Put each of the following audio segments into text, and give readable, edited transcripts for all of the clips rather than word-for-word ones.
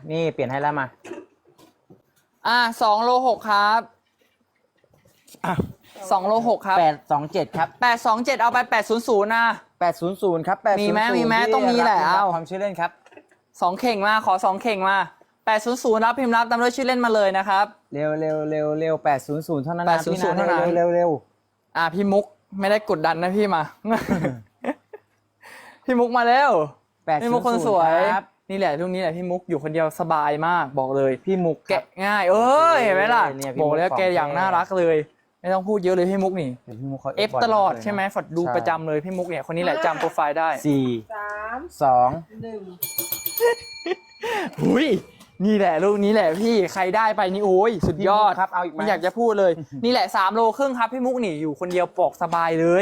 นี่เปลี่ยนให้แล้วมา 2โล6ครับ2โล6ครับ 827ครับ 827เอาไป800นะ 800ครับ800 มีไหมต้องมีแหละเอาความชื่อเล่นครับ 2เข่งมาขอ2เข่งมา800รับพิมพ์รับตามด้วยชื่อเล่นมาเลยนะครับเร็ว800เท่านั้นนะพี่นะ 800เท่านั้นเร็วพี่มุกไม่ได้กดดันนะพี่มา พี่มุกมาแล้วพี่มุกคนสวยนี่แหละช่วงนี้แหละพี่มุกอยู่คนเดียวสบายมากบอกเลยพี่มุกแกะง่ายเห็นไหมล่ะบอกแล้วแกอย่างน่ารักเลยไม่ต้องพูดเยอะเลยพี่มุกนี่เอฟตลอดใช่ไหมฝดดูประจำเลยพี่มุกเนี่ยคนนี้แหละจำโปรไฟล์ได้ 4 3 2 1หุยนี่แหละลูกนี้แหละพี่ใครได้ไปนี่โอ้ยสุดยอดครับเอาอีกไหมไม่อยากจะพูดเลยนี่แหละ3โลครึ่งครับพี่มุกนี่อยู่คนเดียวปอกสบายเลย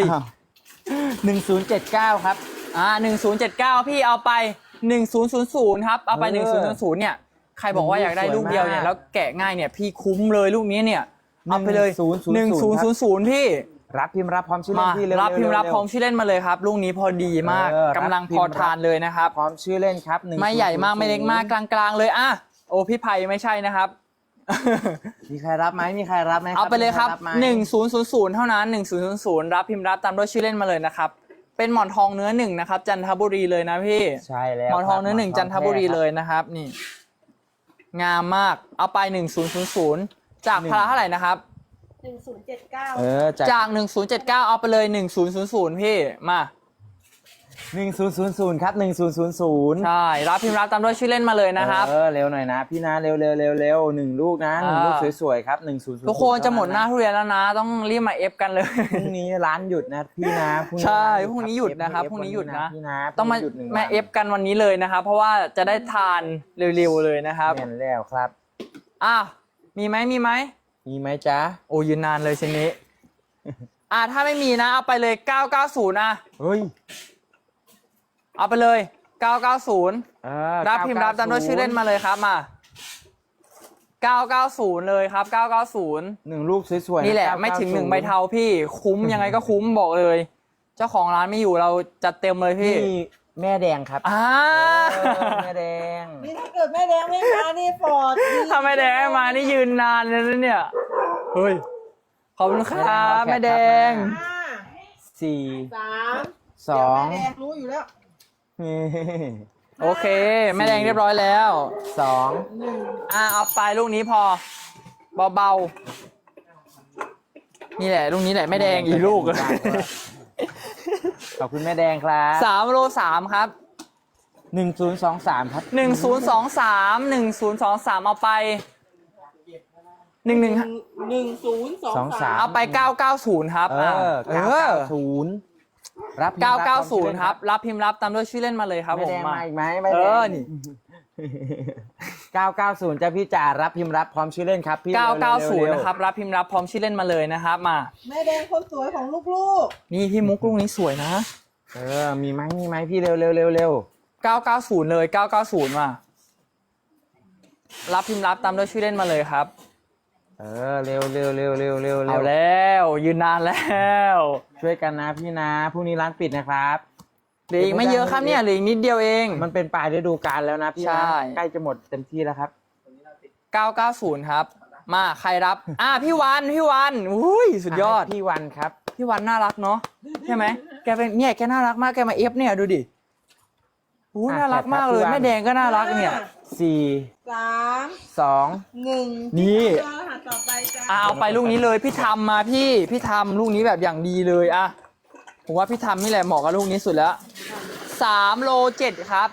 1079ครับ 1079พี่เอาไป1000ครับเอาไป1000เนี่ยใครบอกว่าอยากได้ลูกเดียวเนี่ยแล้วแกะง่ายเนี่ยพี่คุ้มเลยลูกนี้เนี่ยเอาไปเลย1000พี่รับพิมพ์รับพร้อมชื่อเล่นพี่รับพิมพ์รับพร้อมชื่อเล่นมาเลยครับลูกนี้พอดีมากกำลังพอทานเลยนะครับพร้อมชื่อเล่นครับไม่ใหญ่มากไม่เล็กมากกลางๆเลยโอ้พี่ไผ่ไม่ใช่นะครับมีใครรับไหมเอาไปเลยครับ1000เท่านั้น1000รับพิมพ์รับตามด้วยชื่อเล่นมาเลยนะครับเป็นหมอนทองเนื้อ1นะครับจันทบุรีเลยนะพี่ใช่แล้วหมอนทองเนื้อ1จันทบุรีเลยนะครับนี่งามมากเอาไป1000จากพละเท่าไหร่นะครับ 1079 จาก1079เอาไปเลย1000พี่มา 1000ครับ1000 ใช่รับพิมพ์รับตามด้วยชื่อเล่นมาเลยนะครับเร็วหน่อยนะพี่นะเร็ว1ลูกนะ1ลูกสวยๆครับ1000 ทุกคนจะหมดหน้าทุเรียนแล้วนะต้องรีบมาเอฟกันเลยพรุ่งนี้ร้านหยุดนะพี่นะใช่พรุ่งนี้หยุดนะครับพรุ่งนี้หยุดนะต้องมาเอฟกันวันนี้เลยนะครับเพราะว่าจะได้ทานเร็วๆเลยนะครับเห็นแล้วครับมีไหมจ๊ะโอ้ยืนนานเลยเช่นนี้ถ้าไม่มีนะเอาไปเลย990 เฮ้ยเอาไปเลย990รับพิมพ์รับตามด้วยชื่อเล่นมาเลยครับมา990เลยครับ990 1ลูกสวยๆนี่แหละไม่ถึง1ใบเทาพี่คุ้มยังไงก็คุ้มบอกเลยเจ้าของร้านไม่อยู่เราจัดเต็มเลยพี่แม่แดงครับแม่แดงนี่ถ้าเกิดแม่แดงไม่มานี่ฟอร์ดถ้าแม่แดงไม่มานี่ยืนนานเลยนะเนี่ยเฮ้ยขอบคุณครับแม่แดง 4 3 2แม่แดงรู้อยู่แล้วโอเคแม่แดงเรียบร้อยแล้ว 2 เอาไปลูกนี้พอเบาๆนี่แหละลูกนี้แหละแม่แดงอีกลูกขอบคุณแม่แดงครับ 3โล3ครับ 1023ครับ 1023เอาไป 1023 เอาไป990ครับ 990รับ 990ครับรับพิมพ์รับตามด้วยชื่อเล่นมาเลยครับผมมาอีกไหมนี่990จะพี่จ่ารับพิมพ์รับพร้อมชื่อเล่นครับพี่ 990นะครับรับพิมพ์รับพร้อมชื่อเล่นมาเลยนะครับมาแม่แดงคนสวยของลูกๆนี่พี่มุกลูกนี้สวยนะมีไหมพี่เร็ว 990เลย990มารับพิมพ์รับตามด้วยชื่อเล่นมาเลยครับเร็วเอาแล้วยืนนานแล้วช่วยกันนะพี่นะพรุ่งนี้ร้านปิดนะครับเหลืออีกไม่เยอะครับเนี่ยเหลืออีกนิดเดียวเองมันเป็นปลายฤดูกาลแล้วนะพี่นะใกล้จะหมดเต็มที่แล้วครับ 990ครับมาใครรับพี่วันอุ้ยสุดยอดพี่วันครับพี่วันน่ารักเนาะใช่ไหมแกเป็นเนี่ยแกน่ารักมากแกมาเอฟเนี่ยดูดิน่ารักมากเลยแม่แดงก็น่ารักเนี่ย 4 3 2 1 นี่ต่อไปจ้าเอาไปลูกนี้เลยพี่ทำมาพี่ทำลูกนี้แบบอย่างดีเลยผมว่าพี่ทำนี่แหละเหมาะกับลูกนี้สุดแล้ว3โล7ครับ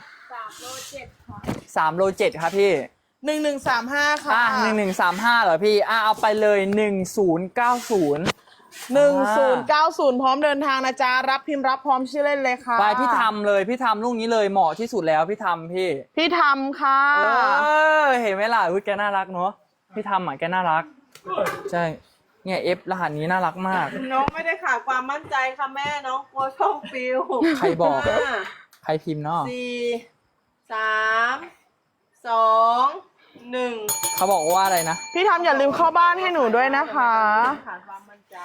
3โล7ครับพี่ 1135ค่ะ 1135เหรอพี่เอาไปเลย1090 1090พร้อมเดินทางนะจ๊ะรับพิมพ์รับพร้อมชื่อเล่นเลยค่ะไปพี่ทำเลยพี่ทำลูกนี้เลยเหมาะที่สุดแล้วพี่ทำพี่ทำค่ะเห็นไหมล่ะแกน่ารักเนาะพี่ทำแกน่ารักใช่เนี่ยเอฟรหัสนี้น่ารักมากน้องไม่ได้ขาดความมั่นใจค่ะแม่น้องกลัวช่องฟิวใครบอกใครพิมพ์เนาะ 4 3 2 1 เขาบอกว่าอะไรนะพี่ทำอย่าลืมเข้าบ้านให้หนูด้วยนะคะขาดความมั่นใจ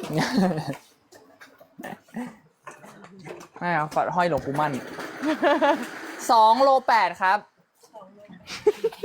ไม่เอาฝัดห้อยหลวงปู่มั่น2โล8ครับ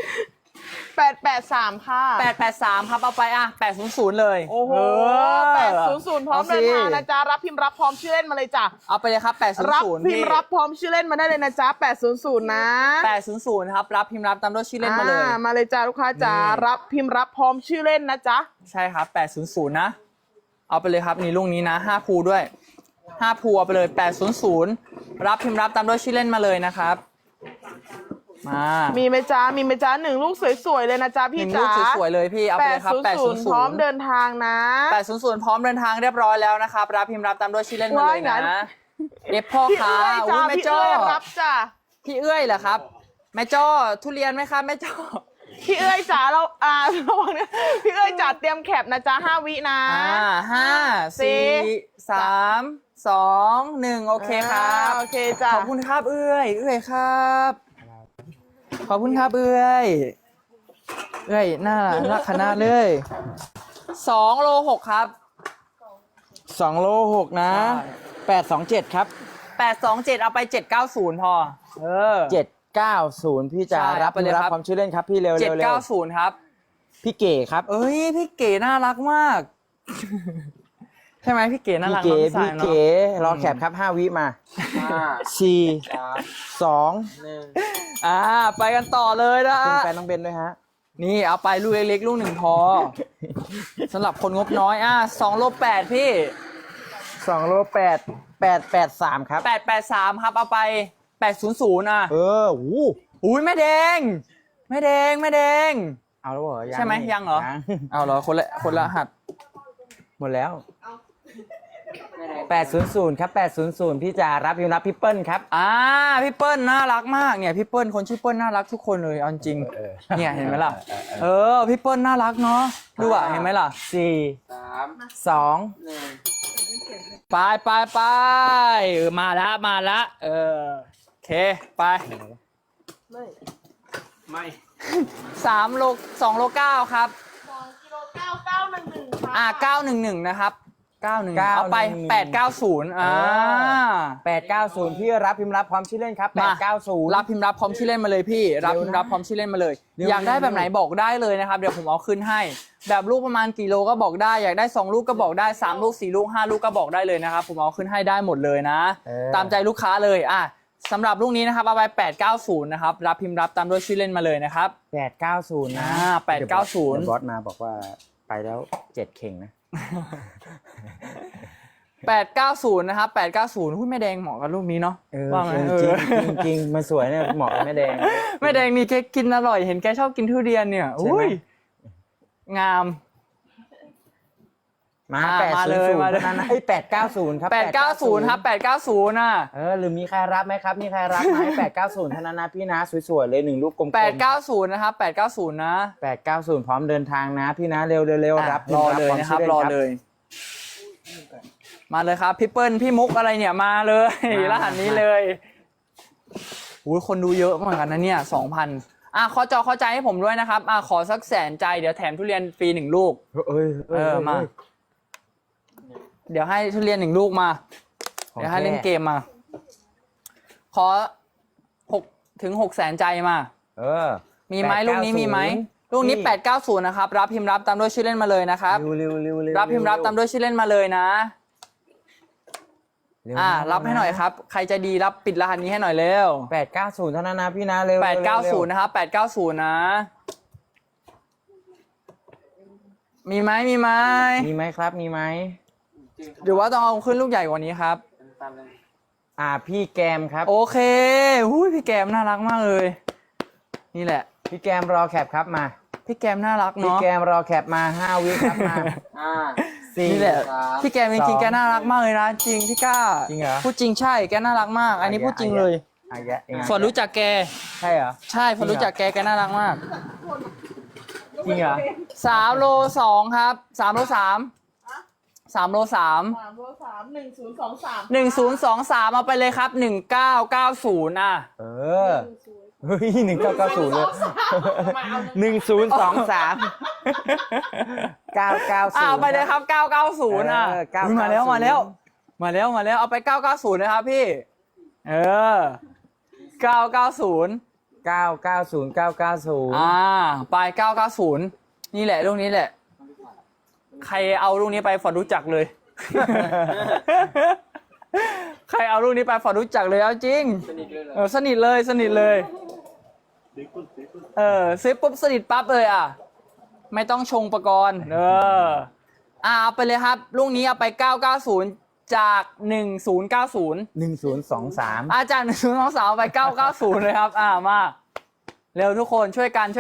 883ค่ะ 883ครับเอาไปอ่ะ800เลยโอ้โห800พร้อมเดินทางนะจ๊ะรับพิมพ์รับพร้อมชื่อเล่นมาเลยจ้ะเอาไปเลยครับ800 รับพิมพ์รับพร้อมชื่อเล่นมาได้เลยนะจ๊ะ800นะ 800ครับรับพิมพ์รับตามด้วยชื่อเล่นมาเลยมาเลยจ้ะลูกค้าจ๋ารับพิมพ์รับพร้อมชื่อเล่นนะจ๊ะใช่ครับ800นะเอาไปเลยครับนี่ลูกนี้นะ5ภูด้วย5ภูเอาไปเลย800รับพิมพ์รับตามด้วยชื่อเล่นมาเลยนะครับมามีไหมจ๊ะมีไหมจ๊ะ1 ลูกสวยๆเลยนะจ๊ะพี่ลูจ๋ากสวยๆเลยพี่เอาไปเลยครับ800 พร้อมเดินทางนะ 800พร้อมเดินทางเรียบร้อยแล้วนะครับรับพิมพ์รับตามด้วยชื่อเล่นมาเลยนะเอฟพ่อพี่ค้าเอื้อยจ้าแม่พี่จ้อเอื้อยรับจ้ะพี่เอื้อยเหรอครับแม่จ้อทุเรียนไหมครับแม่จ้อพี่เอื้อยจ๋าเราระวังนะพี่เอื้อยจ๋าเตรียมแคปนะจ๊ะ5 วินะ 5 4 3 2 1โอเคครับโอเคจ้ะขอบคุณครับเอื้อยครับขอบคุณครับเอื้อยน่ารักขนาดเลย2โล6ครับ 2 โล 6 นะ827ครับ 827เอาไป790พอ 790พี่จ๋ารับพิมพ์รับพร้อมชื่อเล่นครับพี่เร็ว 790ครับพี่เก๋ครับเอ้ยพี่เก๋น่ารักมากใช่ไหมพี่เก๋น่ารักพี่เก๋รอแคปครับ5 วิมา4 2 1 ไปกันต่อเลยนะคุณแฟนน้องเบนด้วยฮะนี่เอาไปลูกเล็กๆลูกหนึ่งพอสำหรับคนงบน้อย2โล8พี่ 2 โล 883ครับ 883ครับเอาไป800 อู้แม่แดงเอาแล้วเหรอใช่ไหมยังเหรอเอาเหรอคนละหัดหมดแล้ว800ครับ800พี่จ๋ารับพิมพ์รับพี่เปิ้ลครับพี่เปิ้ลน่ารักมากเนี่ยพี่เปิ้ลคนชื่อเปิ้ลน่ารักทุกคนเลยเอาจริงเนี่ยเห็นไหมล่ะพี่เปิ้ลน่ารักเนาะดูเห็นไหมล่ะ 4 3 2 1ไปมาละโอเคไปไม่3โล2โล9ครับ 2 กิโล9 911ค่ะ 911นะครับ91เอาไป890 890พี่รับพิมพ์รับพร้อมชื่อเล่นครับ890 รับพิมพ์รับพร้อมชื่อเล่นมาเลยพี่รับพิมพ์รับพร้อมชื่อเล่นมาเลยอยากได้แบบไหนบอกได้เลยนะครับเดี๋ยวผมเอาขึ้นให้แบบลูกประมาณกี่โลก็บอกได้อยากได้2 ลูกก็บอกได้3 ลูก4 ลูก5 ลูกก็บอกได้เลยนะครับผมเอาขึ้นให้ได้หมดเลยนะตามใจลูกค้าเลยสำหรับลูกนี้นะครับเอาไป890นะครับรับพิมพ์รับตามด้วยชื่อเล่นมาเลยนะครับ 890นะ 890 บอสมาบอกว่าไปแล้ว7เข่งนะ 890นะครับ890หุ้ยแม่แดงเหมาะกับลูกนี้เนาะว่าไงจริงมันสวยเนี่ยเหมาะกับแม่แดงนี่แกกินอร่อยเห็นแกชอบกินทุเรียนเนี่ยอุ้ยงามมาเลยนะ890ครับ 890ครับ890 หรือมีใครรับไหมครับมีใครรับไหม890เท่านั้นนะพี่นะสวยๆเลย1 ลูกกลมๆ890นะครับ890นะ 890พร้อมเดินทางนะพี่นะเร็วรับรอเลยนะครับรอเลยมาเลยครับพี่เปิ้ลพี่มุกอะไรเนี่ยมาเลยรหัสนี้เลยอุ้ยคนดูเยอะเหมือนกันนะเนี่ย 2,000ขอเข้าใจให้ผมด้วยนะครับขอสัก100,000ใจเดี๋ยวแถมทุเรียนฟรี1 ลูกมาเดี๋ยวให้ทุเรียน1 ลูกมาเดี๋ยวให้เล่นเกมมาขอ6 ถึง 600,000ใจมามีไหมลูกนี้มีไหมลูกนี้890นะครับรับพิมพ์รับตามด้วยชื่อเล่นมาเลยนะครับรับพิมพ์รับตามด้วยชื่อเล่นมาเลยนะรับให้หน่อยครับใครจะดีรับปิดรหัสนี้ให้หน่อยเร็ว 890เท่านั้นนะพี่นะเร็ว 890นะครับ890นะมีไหมครับมีไหมหรือว่าต้องเอาขึ้นลูกใหญ่กว่านี้ครับพี่แกมครับโอเคพี่แกมน่ารักมากเลยนี่แหละพี่แกมรอแคปครับมาพี่แกมน่ารักเนาะพี่แกมรอแคปมา5 วิครับมานี่แหละพี่แกมจริงๆแกน่ารักมากเลยนะจริงพี่ก้าจริงเหรอพูดจริงใช่แกน่ารักมากอันนี้พูดจริงเลยฝนรู้จักแกใช่เหรอใช่ฝนรู้จักแกน่ารักมากจริงเหรอ 3โล2ครับ3โล3โล3 1023เอาไปเลยครับ1990 เฮ้ย1990เลย1023 990 เอาไปเลยครับ990มาแล้วเอาไป990นะครับพี่990 990990 ไป990นี่แหละลูกนี้แหละ ใครเอาลูกนี้ไปฝอดรู้จักเลย ใครเอาลูกนี้ไปฝอดรู้จักเลยเอาจริงสนิทเลยสนิทเลยซื้อปุ๊บสนิทปั๊บเลยอ่ะไม่ต้องชงประกรณ์เอาไปเลยครับลูกนี้เอาไป990จาก1090 1023 จาก1023เอาไป990เลยครับมาเร็วทุกคนช่วยกัน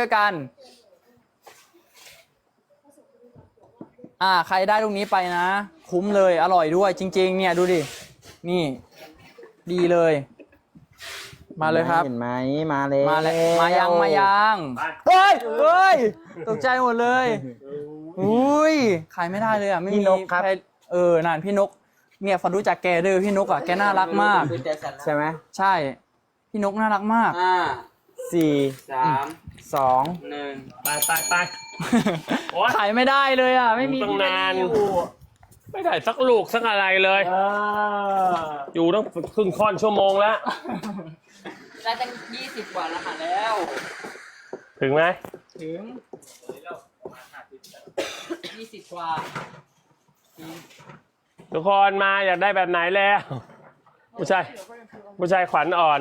ใครได้ลูกนี้ไปนะคุ้มเลยอร่อยด้วยจริงๆเนี่ยดูดินี่ดีเลยมาเลยครับเห็นไหมมาเลยมายังเฮ้ยตกใจหมดเลยอุ้ยขายไม่ได้เลยอ่ะไม่มีพี่นกครับในั่นพี่นกเนี่ยฟันรู้จักแกด้วยพี่นกอ่ะแกน่ารักมากใช่ไหมใช่พี่นกน่ารักมาก 4 3 2 1ไปโอ๊ยขายไม่ได้เลยอ่ะไม่มีตั้งที่นานอยู่ไม่ได้สักลูกสักอะไรเลย อยู่ตั้งครึ่งค่อนชั่วโมงแล้วได้ตั้ง20 กว่ารหัสแล้วถึงไหมถึง20 กว่าทุกคนมาอยากได้แบบไหนแล้ว ผู้ชายขวัญอ่อน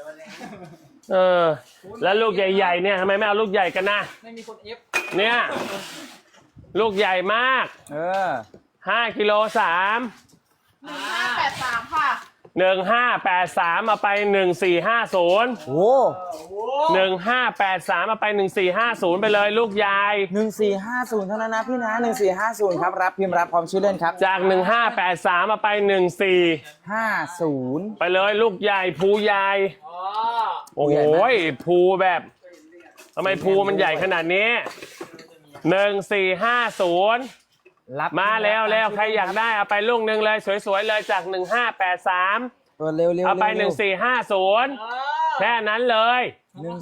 แล้วลูกใหญ่ๆเนี่ยทำไมไม่เอาลูกใหญ่กันนะไม่มีคนเอฟเนี่ย ลูกใหญ่มาก 5 กิโล 3 1583 ค่ะ 1583เอาไป1450 โอ้ 1583เอาไป1450ไปเลยลูกใหญ่ 1450เท่านั้นนะพี่นะ1450ครับรับพิมพ์รับพร้อมชื่อเล่นครับจาก1583เอาไป 50 ไปเลยลูกใหญ่ภูใหญ่โอ้โหภูแบบทำไมภูมันใหญ่ขนาดนี้1450 รับมาแล้วใครอยากได้เอาไปลูกหนึ่งเลยสวยๆเลยจาก1583 ตัวเร็วๆเอาไป1450แค่นั้นเลย